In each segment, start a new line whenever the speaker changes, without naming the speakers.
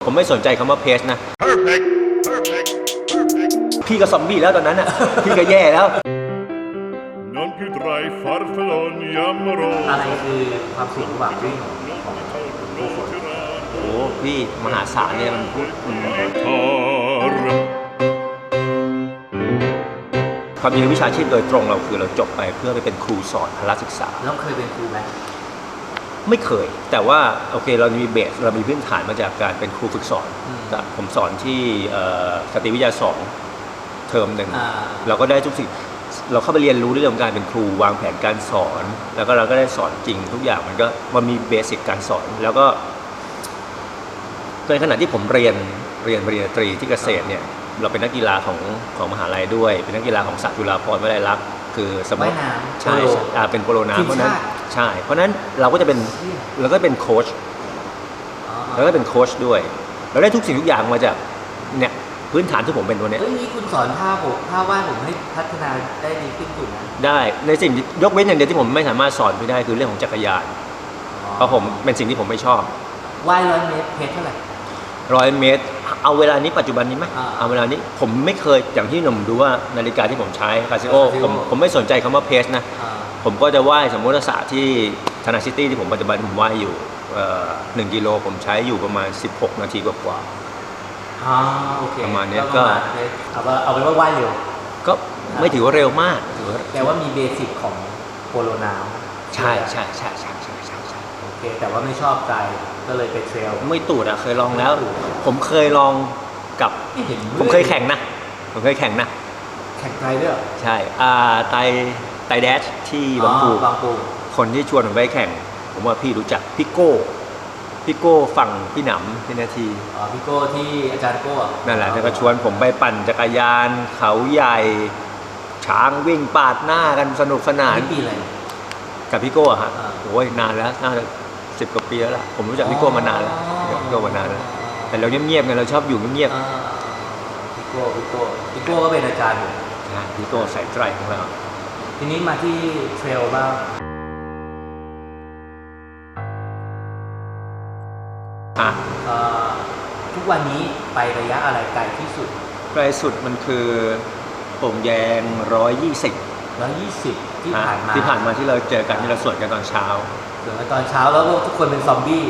ผมไม่สนใจคำว่าเพจนะ Perfect. Perfect. Perfect. พี่ก็ซอมบี้แล้วตอนนั้นอ่ะ พี่ก็แย่แล้ว
Non più tra i farfalloni amorosi.
อะไรคือความสุขระหว่างวิ่งของผู้ฝน
โอ้พี่มหาศาลเนี่ยมันพูดความจริงวิชาชีพโดยตรงเราคือเราจบไปเพื่อไปเป็นครูสอนพละศึกษา
แล้วเคยเป็นครูไหม
ไม่เคยแต่ว่าโอเคเรามีเบสเรามีพื้นฐานมาจากการเป็นครูฝึกสอนผมสอนที่สตรีวิทยา2เทอมหนึ่งเราก็ได้ทุกสิ่งเราเข้าไปเรียนรู้เรื่องการเป็นครูวางแผนการสอนแล้วก็เราก็ได้สอนจริงทุกอย่างมันมีเบสิกการสอนแล้วก็ในขณะที่ผมเรียนปริญญาตรีที่เกษตรเนี่ยเราเป็นนักกีฬาของมหาลัยด้วยเป็นนักกีฬาของศาสตร์จุฬาภรณ์วิทยาลัยคือสมมติใช่เป็นโปโลน้ำเพราะนั้นใช่เพราะนั้นเราก็เป็นโค้ชแล้วก็เป็นโค้ชด้วยเราได้ทุกสิ่งทุกอย่างมาจากเนี่ยพื้นฐานที่ผมเป็นตัวเนี้ย
นี่คุณสอนท่าว่ายผมให้พัฒนาได้ดีขึ้นถูกไหม
ได้ในสิ่งยกเว้นอย่างเดียวที่ผมไม่สามารถสอนไปได้คือเรื่องของจักรยานเพราะผมเป็นสิ่งที่ผมไม่ชอบ
ว่าย100 เมตรเพจเท่าไหร่
100 เมตรเอาเวลานี้ปัจจุบันนี้ไหมเอาเวลานี้ผมไม่เคยอย่างที่หนุ่มดูว่านาฬิกาที่ผมใช้คาซิโอผมไม่สนใจคำว่าเพจนะผมก็จะว่ายสมมติศาสตร์ที่ธนาซิตี้ที่ผมปัจจุบันผมว่ายอยู่1 กิโลผมใช้อยู่ประมาณ16 นาทีกว่า
โอเค
ประมาณนี้ก็
เอาเป็นว่าว่ายเร็ว
ก็ไม่ถือว่าเร็วมาก
แต่ว่ามีเบสิกของโปโลน้
ำใช่
โอเคแต่ว่าไม่ชอบใจก็เลยไปเทรล
ไม่ตูดเคยลองแล้วผมเคยลองกับผมเคยแข่งนะแข่ง
ไกลด้วย
ใช่ไตแดชที่บางปูคนที่ชวนผมไปแข่งผมว่าพี่รู้จักพี่โก้ฝั่งพี่หนำพี่นาที
พี่โก้ที่อาจารย์โก้
นั่นแหละแล้วก็ชวนผมไปปั่นจักรยานเขาใหญ่ช้างวิ่งปาดหน้ากันสนุกสนาน
ปีอะไร
กับพี่โก้ฮะโอ้ยนานแล้วน่าจะ10 กว่าปีแล้วล่ะผมรู้จักพี่โก้มานานแล้วแต่เราเงียบๆไงเราชอบอยู่เงียบ
พี่โก้ก็เป็นอาจารย์ผม
พี่โก้สายไตรของเรา
ทีนี้มาที่เทรลบ้างทุกวันนี้ไประยะอะไรไกลที่สุด
ไกลสุดมันคือโป่งแยง
120ที่ผ่าน
มาที่เราเจอกันที่เราสวดกันตอนเช้า
แล้วทุกคนเป็นซอมบี้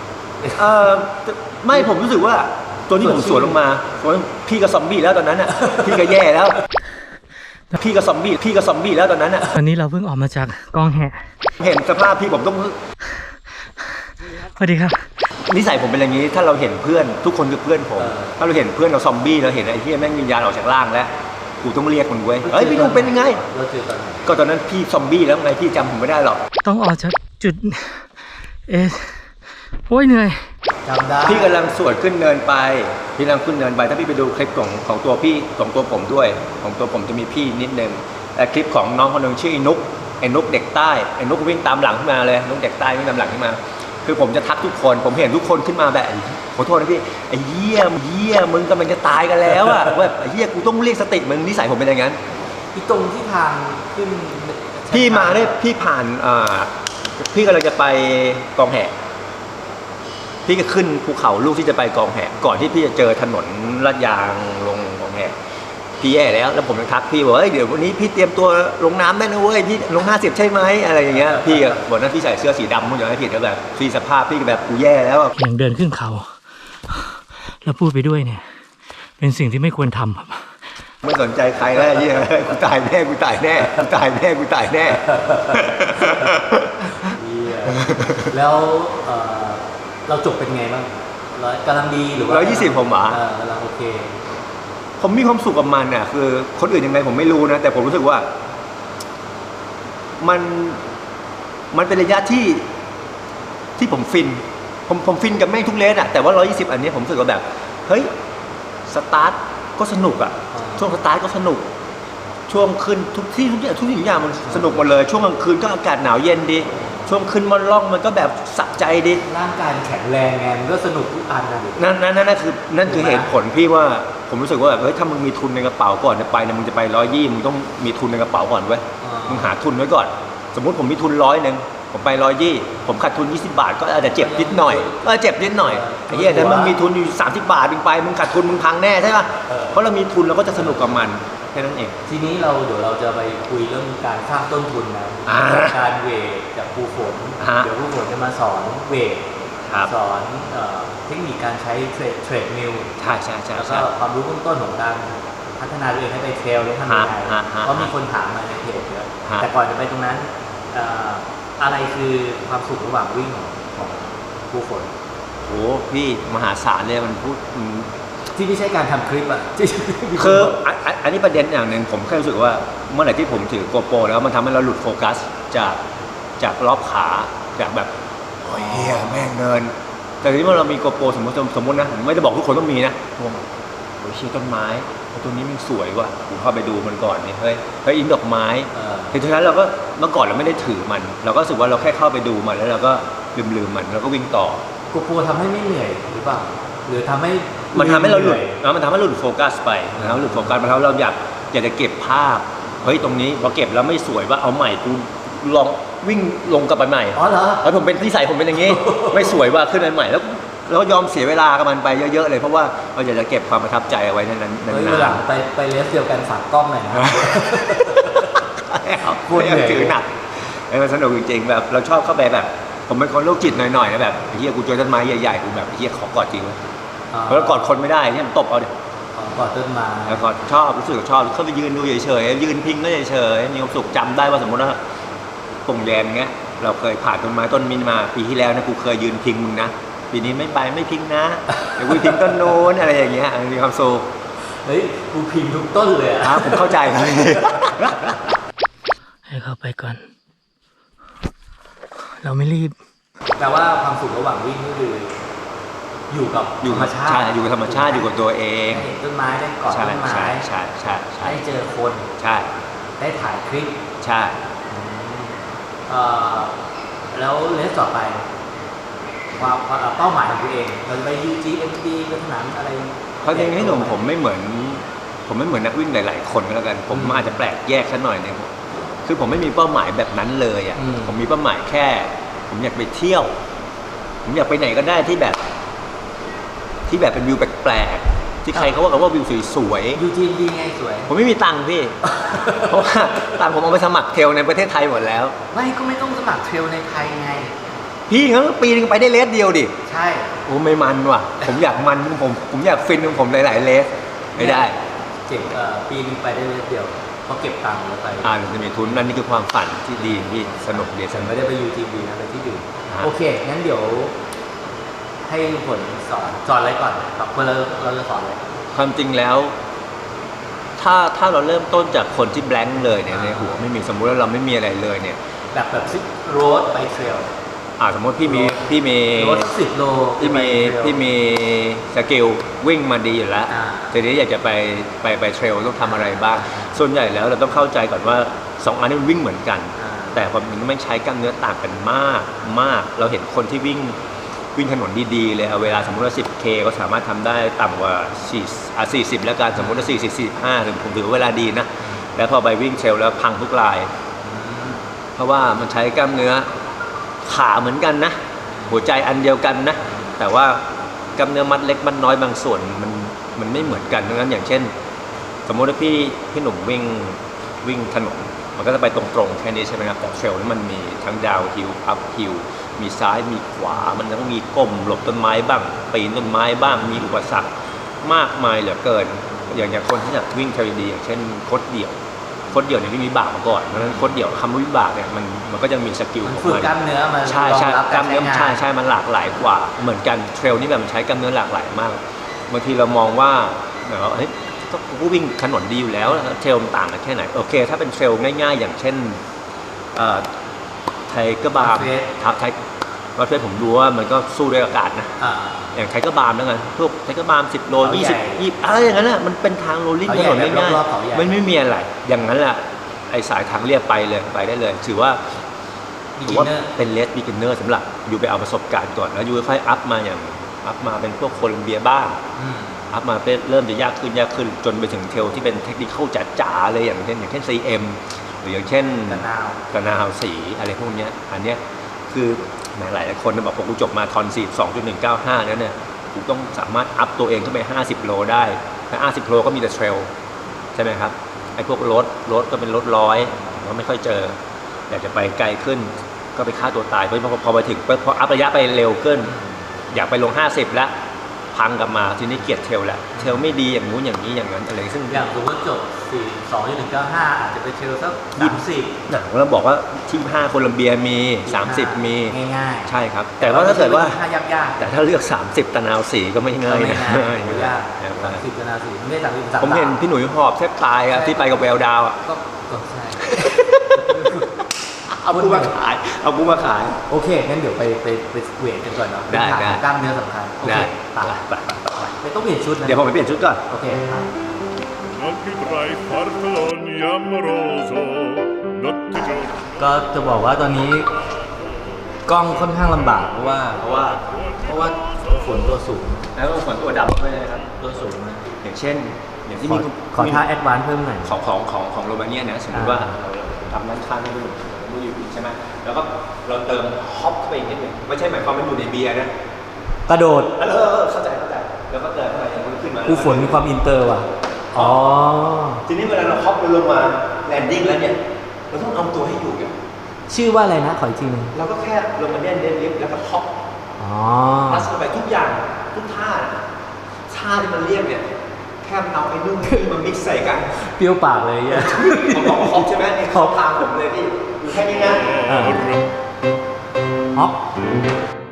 ไม่ผมรู้สึกว่าตัวที่ผมสวนลงมาพี่ก็ซอมบี้แล้วตอนนั้นอ่ะพี่ก็แย่แล้วพี่ก็ซอมบี้แล้วตอนนั้นอ่ะ
ตอนนี้เราเพิ่งออกมาจากกองแห่
เห็นสภาพพี่ผมต้อง
สวัสดีครับ
นิสัยผมเป็นอย่างนี้ถ้าเราเห็นเพื่อนทุกคนคือเพื่อนผมถ้าเราเห็นเพื่อนเราซอมบี้เราเห็นไอ้ที่แม่งวิญญาณออกจากร่างแล้วกูต้องเรียกมันเว้ยพี่นุ่มเป็นยังไงก็ตอนนั้นพี่ซอมบี้แล้วไงพี่จำผมไม่ได้หรอก
ต้องออกจากจุดโอ้ยเหนื่อย
จำได้
พี่กำลังสวดขึ้นเนินไปถ้าพี่ไปดูคลิปของตัวพี่ของตัวผมด้วยของตัวผมจะมีพี่นิดนึงแต่คลิปของน้องคนนึงชื่อไอ้นุกเด็กใต้ไอ้นุกวิ่งตามหลังขึ้นมาเลยนุกเด็กใต้วิ่งตามหลังขึ้นมาคือผมจะทักทุกคนผมเห็นทุกคนขึ้นมาแบบขอโทษนะพี่ไอ้เหี้ยมึงกำลังจะตายกันแล้วอ่ะแบบไอ้เหี้ยกูต้องเรียกสติมึงนิสัยผมเป็นอย่างนั้น
พี่ตรงที่ทางขึ้น
พี่มาได้พี่ผ่านพี่กำลังจะไปกองแห่พี่ก็ขึ้นภูเขาลูกที่จะไปกองแห่ก่อนที่พี่จะเจอถนนลาดยางลงกองแห่พี่แย่แล้วผมจะทักพี่บอกเดี๋ยววันนี้พี่เตรียมตัวลงน้ำได้นะเว้ยพี่ลง50ใช่ไหมอะไรอย่างเงี้ยพี่บอกนั้นพี่ใส่เสื้อสีดำมึงอย่างไรผิดก็แบบพี่สภาพพี่แบบกูแย่แล้ว
อย่างเดินขึ้นเขาแล้วพูดไปด้วยเนี่ยเป็นสิ่งที่ไม่ควรทำครับ
ไม่สนใจใครแล้วยี่กูตายแน่
แล้วเราจบเป็นไงบ้างกำลังดีหรือว่า
120ผม
กำลังโอเค
ผมมีความสุขกับมันน่ะคือคนอื่นยังไงผมไม่รู้นะแต่ผมรู้สึกว่ามันเป็นระยะที่ผมฟินผมฟินกับแม่งทุกเลนแต่ว่า120อันนี้ผมรู้สึกว่าแบบเฮ้ยสตาร์ทก็สนุกช่วงสตาร์ทก็สนุกช่วงขึ้นทุกสิ่งอย่างมันสนุกหมดเลยช่วงกลางคืนก็อากาศหนาวเย็นดีช่วงขึ้นมันล่องมันก็แบบสะใจดี
ร่างกายแข็งแรงไงมันก็สนุกทุกอัน
นั่นคือเหตุผลพี่ว่าผมรู้สึกว่าแบบเฮ้ยถ้ามึงมีทุนในกระเป๋าก่อนจะไปเนี่ยมึงจะไป120มึงต้องมีทุนในกระเป๋าก่อนเว้ยมึงหาทุนไว้ก่อนสมมุติผมมีทุน100ผมผมไป120ผมขาดทุน20 บาทก็อาจจะเจ็บนิดหน่อยเจ็บนิดหน่อยไอ้เหี้ยแต่มึงมีทุนอยู่30 บาทมึงไปมึงขาดทุนมึงพังแน่ใช่ป่ะเพราะเรามีทุนเราก็จะสนุกกับมันแค่นั้นเอง
ทีนี้เดี๋ยวเราจะไปคุยเรื่องการสร้างต้นทุนนะการเวทจากครูฝนเดี๋ยวครูฝนจะมาสอนเวทสอนเทคนิคการใช้เทรดมิล
ใช่
แล้วก็ความรู้เบื้องต้นของการพัฒนาตัวเองให้ไปเทรลได้ทำยังไงเพราะมีคนถามมาในเพจเยอะแต่ก่อนจะไปตรงนั้นอะไรคือความสุขระหว่างวิ่งของครูฝน
โอ้พี่มหาศาลเลยมันพูด
ที่ไม่ใช่การทำคลิปอ่ะ
คืออันนี้ประเด็นอย่างหนึ่งผมแค่รู้สึกว่าเมื่อไหร่ที่ผมถือโกโปรแล้วมันทำให้เราหลุดโฟกัสจากรอบขาจากแบบโอ้ยเฮียแม่งเดินแต่ทีนี้เมื่อเรามีโกโปรสมมตินะผมไม่ได้บอกทุกคนต้องมีนะโอ้ยเชี่ยต้นไม้ตัวนี้มันสวยว่ะผมเข้าไปดูมันก่อนนี่เฮ้ยอินดอกไม้ทีนั้นเราก็เมื่อก่อนเราไม่ได้ถือมันเราก็รู้สึกว่าเราแค่เข้าไปดูมันแล้วเราก็ลืมมันแล้วก็วิ่งต่อ
โกโปรทำให้ไม่เหนื่อยหรือเปล่าหรือทำให้
มันทำให้เราหลุดมันทำให้เราหลุดโฟกัสไปนะครับหลุดโฟกัสมันทำให้เราอยากจะเก็บภาพเฮ้ยตรงนี้พอเก็บแล้วไม่สวยว่าเอาใหม่กูลองวิ่งลงกลับไปใหม่
อ๋อเหรอ
แล้วผมเป็นนิสัยผมเป็นอย่างนี้ ไม่สวยว่าขึ้นไปใหม่แล้วเรายอมเสียเวลากับมันไปเยอะๆเลยเพราะว่าเราอยากจะเก็บความประทับใจเอาไว้นั้นๆ
เฮ้ยหลังไปเลสเดียวกันฝากกล้องหน่อยนะ
พูดถือหนักมันสนุกจริงๆแบบเราชอบเข้าไปแบบผมเป็นคนโรคจิตหน่อยๆนะแบบเฮียกูเจอต้นไม้ใหญ่ๆกูแบบเฮียขอกอดจริงเลยเพราะกอดคนไม่ได้เนี่ยมันตบเอาดิ
กอดต้นไม้
แล้วก็ชอบรู้สึกชอบเข้าไปยืนดูเฉยๆยืนพิงก็เฉยๆมีความสุขจำได้ว่าสมมติว่าป่งแดงเงี้ยเราเคยผ่านต้นไม้ต้นมินมาปีที่แล้วนะกูเคยยืนพิงมึงนะปีนี้ไม่ไปไม่พิงนะเดี๋ยวกูพิงต้นโน้นอะไรอย่างเงี้ยมีความสุข
เฮ้ยกูพิงทุกต้นเลย
ครับผมเข้าใจครับ
ให้เข้าไปก่อนเราไม่รีบ
แต่ว่าความสุขระหว่างวิ่งก็คืออยู่กับธรรมชาติ
อยู่กับธรรมชาติอยู่กับตัวเอง
ได้เห็นต้นไม้ได้กอดต้นไม้
ใช่
ได้เจอคน
ใช่
ได้ถ่ายคลิป
ใช่
แล้วเลสต่อไปความเป้าหมายของตัวเองเราจะไป UTMB ไปสนามอะไร
เพราะจริงๆให้หนุ่มผมไม่เหมือนนักวิ่งหลายๆคนก็แล้วกันผมอาจจะแปลกแยกสักหน่อยนึงคือผมไม่มีเป้าหมายแบบนั้นเลยอ่ะผมมีเป้าหมายแค่ผมอยากไปเที่ยวผมอยากไปไหนก็ได้ที่แบบเป็นวิวแปลกๆที่ใครเขาว่ากันว่าวิวสวย
ๆ UTMB ไงสวย
ผมไม่มีตังค์พี่ เพราะว่าตังค์ผมเอาไปสมัครเทรลในประเทศไทยหมดแล้ว
ก็ไม่ต้องสมัครเทรลในไทยไง
พี่งั้นปีนึงไปได้เลสเดียวดิ
ใช่
โอ้ไม่มันว่ะผมอยากมันผมอยากฟินของผมหลายๆเลสไม่ได้
เจ็บปีนึงไปได้เลสเดียวเพราะเก็บตังค์แล้วไป
จะมีทุนนั่นนี่คือความฝันที่ดีที่สนุกดี
ฉันไม่ได้ไป UTMB นะไปที่อื่นโอเคงั้นเดี๋ยวให้ผลสอนอะไรก่อนครับเราจะสอนอะไร
ความจริงแล้วถ้าเราเริ่มต้นจากคนที่แบงค์เลยเนี่ยในหัวไม่มีสมมุติว่าเราไม่มีอะไรเลยเนี่ย
แบบซิกโรดไปเทรล
สมมติพี่มี
รถ10 โล
พี่มีสกิลวิ่งมาดีอยู่แล้วทีนี้อยากจะไปเทรลต้องทำอะไรบ้างส่วนใหญ่แล้วเราต้องเข้าใจก่อนว่า2อันนี้มันวิ่งเหมือนกันแต่ความจริงมันใช้กล้ามเนื้อต่างกันมากเราเห็นคนที่วิ่งถนนดีๆเลยเวลาสมมติว่า 10K ก็สามารถทำได้ต่ำกว่า40แล้วกันสมมติว่า40-45ถึงผมถือเวลาดีนะแล้วพอไปวิ่งเทรลแล้วพังทุกรายเพราะว่ามันใช้กล้ามเนื้อขาเหมือนกันนะหัวใจอันเดียวกันนะแต่ว่ากล้ามเนื้อมัดเล็กมัดน้อยบางส่วนมันไม่เหมือนกันดังนั้นอย่างเช่นสมมติว่าพี่หนุ่มวิ่งถนนมันก็จะไปตรงๆแค่นี้ใช่ไหมครับแต่เทรลนี่มันมีทั้งดาวฮิลอัพฮิลมีซ้ายมีขวามันต้องมีก้มหลบต้นไม้บ้างปีนต้นไม้บ้างมีอุปสรรคมากมายเหลือเกินอย่างคนที่อยากวิ่งเทรลดีอย่างเช่นโค้ชเดี่ยวเนี่ยที่มีวิบากมาก่อนเพราะฉะนั้นโค้ชเดี่ยวคำว่าวิบากเนี่ยมันก็ยังมีสกิลของมัน
ฝึกกล้ามเนื้อมัน
ใช่กล้ามเนื้อใช่มันหลากหลายกว่าเหมือนกันเทรลนี่แบบมันใช้กล้ามเนื้อหลากหลายมากบางทีเรามองว่าแบบว่าเฮ้ยก็วิ่งถนนดีอยู่แล้วเทรลมันต่างกันแค่ไหนโอเคถ้าเป็นเทรลง่ายๆอย่างเช่นไทเกอร์บาร์ว่าเพื่อนผมดูว่ามันก็สู้ด้วยอากาศนะอย่างไทเกอร์บาร์นั่นไงพวกไทเกอร์บาร์10 โล 20อะไรอย่างนั้นแหละมันเป็นทางโรลลิ่งถนนง่ายๆมันไม่มีอะไรอย่างนั้นแหละไอสายทางเรียบไปได้เลยถือว่าเป็นเลสบิกินเนอร์สำหรับอยู่ไปเอาประสบการณ์ก่อนแล้วอยู่ค่อยอัพมาเป็นพวกโคลัมเบียบ้างอัพมาเริ่มจะยากขึ้นจนไปถึงเทลที่เป็นเทคนิคจ๋าๆเลยอย่างเช่น CM หรืออย่างเช่นกระนาวสีอะไรพวกนี้อันเนี้ยคือแหมหลายคนบอกผมกูจบมาทอน42.195แล้วเนี่ยกูต้องสามารถอัพตัวเองขึ้นไป50โลได้แต่50โลก็มีแต่เทรลใช่ไหมครับไอ้พวกรถก็เป็นรถร้อยก็ไม่ค่อยเจออยากจะไปไกลขึ้นก็ไปฆ่าตัวตายเพราะพอไปถึงพออัพระยะไปเร็วขึ้นอยากไปลง50แล้วพังกลับมาทีนี้เกลียดเทรลแหละเทรลไม่ดีอย่างนู้นอย่างนี้อย่างนั้นอะไรซึ่ง
อย่างสมมติจบ42.195อาจจะไปเทรลสัก30
หนังเราบอกว่าที่5โคลัมเบียมี30มี
ง่ายๆ
ใช่ครับแต่ว่าถ้าเกิดว่า
ยากๆ
แต่ถ้าเลือก30ตะนาวสีก็ไม่ง่ายนะ
ยาก30ตะนาวสีไม่ได้30
ผมเห็นพี่หนุ่ยหอบแทบตายอะที่ไปกับแววดาวอะ
ก็ใช่
เอากูมาขาย
โอเคงั้นเดี๋ยวไปเวทกันก่อนเนาะ
ได้
กล้ามเนื้อสำคัญ
ได้
ไม่ต้องเปลี่ยนชุดนะ
เดี๋ยวผมไปเปลี่ยนชุดก่อน
โอเคก็จะบอกว่าตอนนี้กล้องค่อนข้างลำบากเพราะว่าฝนตัวสูง
แล้วฝนตัวดำด้วยนะครับ
ตัวสูงนะ
อย่างเช่นอย่างที่มี
ขอท่าแอดวานซ์เพิ่มหน่อย
ของโรมาเนียนะสมมติว่าทำนั้นข้างไม่ดูอยู่ใช่ไหมแล้วก็เราเติมฮอปเข้าไปอีกนิดหนึ่งไม่ใช่หมายความว่าอยู่ในเบียร์นะ
กระโดด
เข้าใจแล้วก็เติมเข้าไปขึ้นมา
ฝนมีความอินเตอร์ว่ะ
ทีนี้เวลาเราฮอปลงมาแลนดิ้งแล้วเนี่ยเราต้องเอาตัวให้อยู่กัน
ชื่อว่าอะไรนะขออีกทีนึง
เราก็แค่ลงมาเล่นลิฟต์แล้วก็ฮอปพัสไปทุกอย่างทุกท่าที่มันเรียกเนี่ยแค่เอาไอ้นู่นนี่มามิกซ์ใส่กัน
เปรี้ยวปากเลยอ่ะ
ผมบอกฮอปใช่ไหมนี่ฮอปทางผมเลยพี่อยู่แค่นี้นะ
ฮอป